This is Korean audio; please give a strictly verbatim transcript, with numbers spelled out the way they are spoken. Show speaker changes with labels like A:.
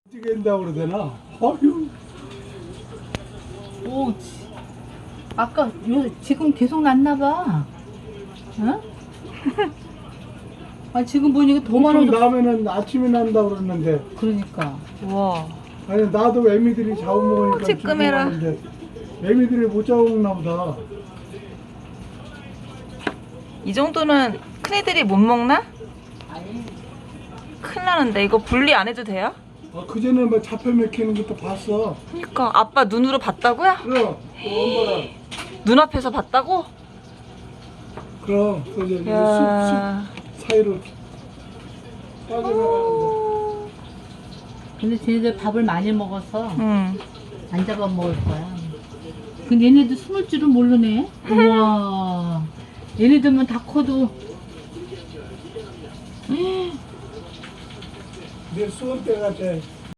A: 어떻게 한다고 그러되나? 어휴.
B: 오, 지- 아까 요 지금 계속 났나봐. 응? 아 지금 보니까 더
A: 보통
B: 많아졌어.
A: 나면은 아침에 난다고 그러는데.
B: 그러니까.
C: 와.
A: 아니 나도 애미들이 잡아먹으니까
C: 찌끄매라.
A: 죽어가는데 애미들이 못 잡아먹나 보다.
C: 이 정도는 큰애들이 못 먹나? 큰일 나는데 이거 분리 안 해도 돼요?
A: 아, 그전에 뭐 잡혀 먹히는 것도 봤어.
C: 그러니까 아빠 눈으로 봤다고요?
A: 그럼 또 엄마랑
C: 눈앞에서 봤다고?
A: 그럼 그 이제 숲,
C: 야.
A: 숲 사이로 빠져나가는데.
B: 근데 쟤네들 밥을 많이 먹어서
C: 응.
B: 안 잡아 먹을 거야. 근데 얘네도 숨을 줄은 모르네. 우와. 얘네들만 다 커도.
A: 내 수원 때 같아.